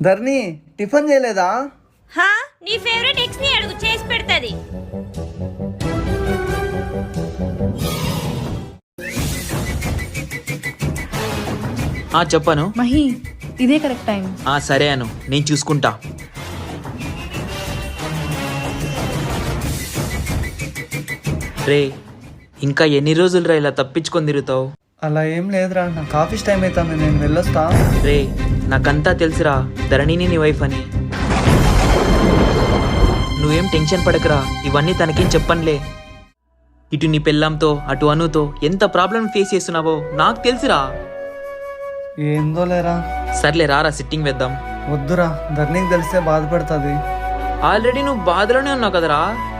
ధర్ని tiffin చేయలేదా? హా, నీ ఫేవరెట్ ఎక్స్ ని అడుగు, చేసి పెడతది. చెప్పను. మహి, ఇదే కరెక్ట్ టైం. సరే అను, నేను చూసుకుంటా. రే, ఇంకా ఎన్ని రోజులు రా ఇలా తప్పించుకొని తిరుగుతావు? అలా ఏం లేదురా, నాకు ఆఫీస్ టైం అవుతుంది, నేను వెళ్ళొస్తా. రే, నాకంతా తెలుసురా ధరణిని నీ వైఫ్ అని. నువ్వేం టెన్షన్ పడకరా, ఇవన్నీ తనకేం చెప్పనులే. ఇటు నీ పెళ్ళంతో అటు అనుతో ఎంత ప్రాబ్లం ఫేస్ చేస్తున్నావో నాకు తెలుసురా. ఏందో లేరా. సర్లే రారా, సిట్టింగ్ వేద్దాం. వద్దురా, ధర్నీకి తెలిస్తే బాధపడుతుంది. ఆల్రెడీ నువ్వు బాధలోనే ఉన్నావు కదరా.